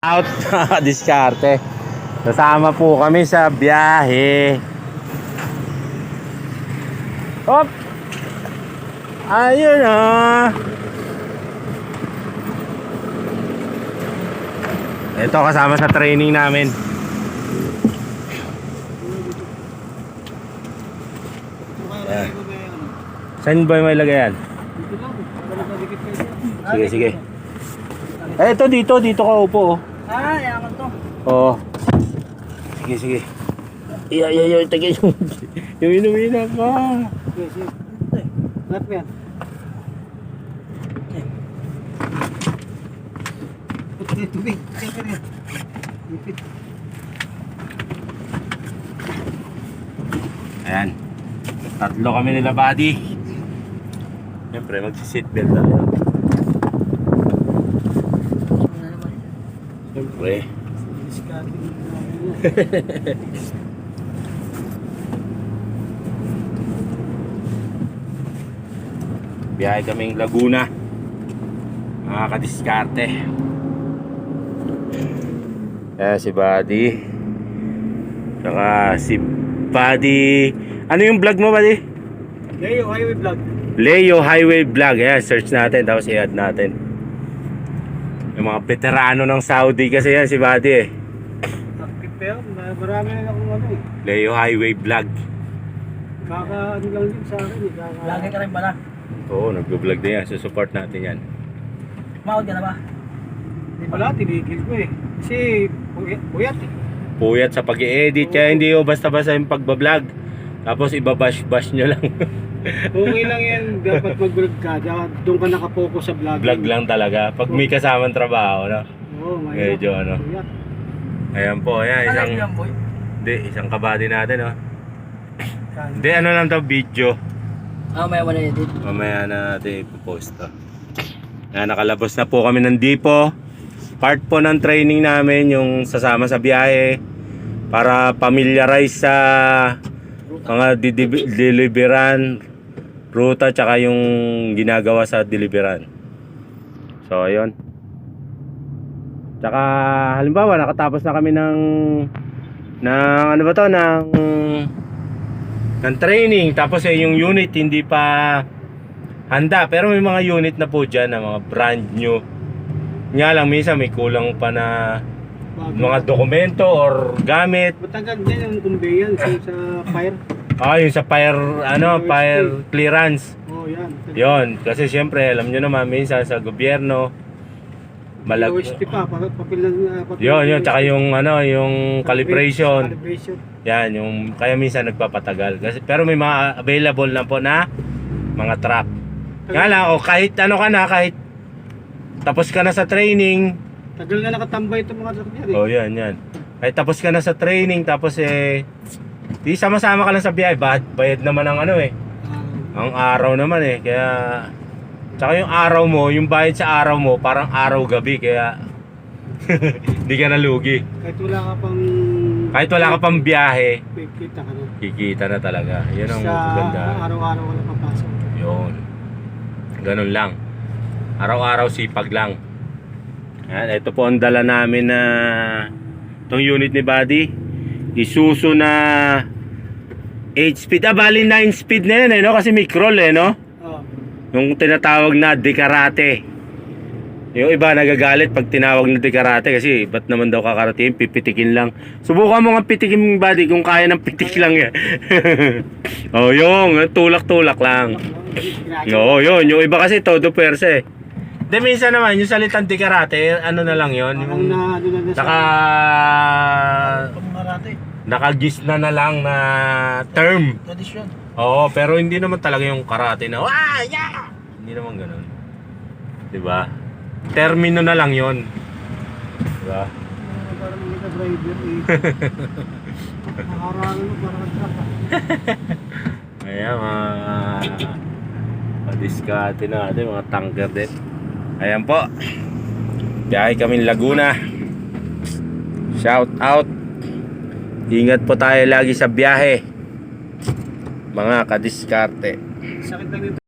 Out diskarte. Kasama po kami sa biyahe. Hop. Ayun ah. Ito kasama sa training namin. Ayan. Saan ba may lagay yan? Sige, sige. Ito dito ka upo. Yaman to. Oo. Sige, sige. Iya, tagay yung inuminan ka. Sige, sige. Lahat mo yan. Tubig. Ayan. Tatlo kami nila, buddy. Siyempre, magsi-seatbelt tayo. Siyempre. Biyahe kaming Laguna. Mga kadiskarte. Ayan si Buddy. Saka si Buddy. Ano yung vlog mo, Buddy? Leo Highway Vlog. Leo Highway Vlog. Ayan, search natin. Tapos i-add natin. Yung mga veterano ng Saudi kasi yan si Buddy eh. Pero marami na akong ano eh. Leo Highway Vlog. Ano lang din sa akin eh. Lagi ka rin pala. Oo, nag-vlog din yan. Susupport natin yan. Mahod ka na ba? Wala, tinigil ko eh. Kasi puyat eh. Puyat sa pag-i-edit. Kaya hindi yung basta-basta yung pagbablog. Tapos ibabash-bash nyo lang. Okay lang yan. Dapat mag-vlog ka. Doon ka nakapokus sa vlog. Vlog lang talaga. Pag may kasamang trabaho, no? Oo, Medyo ano. Puyat. Ayan po, ayan. Isang kabady natin, no? Hindi, ano lang to, video. May wala edit. Mamaya na natin ipopost to. Ayan, nakalabas na po kami ng Dipo. Part po ng training namin, yung sasama sa biyahe. Para familiarize sa mga deliveran, ruta, tsaka yung ginagawa sa deliveran. So, ayun. Tsaka, halimbawa, nakatapos na kami ng ano ba to, ng training. Tapos yung unit hindi pa handa. Pero may mga unit na po dyan na mga brand new. Nga lang, minsan may kulang pa na mga dokumento or gamit. Matagal din yung conveyance sa fire. Yung sa fire clearance. Oh, yan. Yon, kasi syempre alam nyo naman minsan sa gobyerno OST pa, papel yun, tsaka yung yung calibration. Calibration. Yan, yung kaya minsan nagpapatagal. Kasi pero may mga available na po na mga truck. Nga lang, kahit ano ka na, kahit tapos ka na sa training. Tagal na nakatambay itong mga truck niya eh. Oh, yan. Kahit tapos ka na sa training, tapos di sama-sama ka lang sa biyahe, bayad naman ang ang araw naman eh. Kaya tsaka yung araw mo, yung bayad sa araw mo, parang araw-gabi. Kaya hindi ka nalugi. Kahit wala ka pang biyahe, Kikita ka na. kikita na talaga. Yan ang Sa maganda. araw-araw wala papasok. Yun. Ganun lang. Araw-araw sipag lang. Yan, ito po ang dala namin na itong unit ni Buddy. Isuzu na 8 speed. Bali 9 speed na yan no? Kasi may crawl no? Oh. Yung tinatawag na dekarate. Yung iba nagagalit pag tinawag na dekarate kasi ba't naman daw kakarating, pipitikin lang. Subukan mo nga pitikin, Buddy, kung kaya ng pitik lang yan. Oh, yung tulak-tulak lang. Oo, yun. Yung iba kasi todo perse. De minsan naman yung salitang dekarate, ano na lang yun. Yung nakagis na lang na term. Tradisyon. Oo, pero hindi naman talaga yung karate na yeah! Hindi naman ganoon. 'Di ba? Termino na lang 'yon. 'Di ba? Parang mga driver eh. Nakaharangan mo parang truck. Ayan, padiskarte natin, mga tanker din. Ayan po. Biyahe kami Laguna. Shout out. Ingat po tayo lagi sa biyahe. Mga kadiskarte. Sakit lang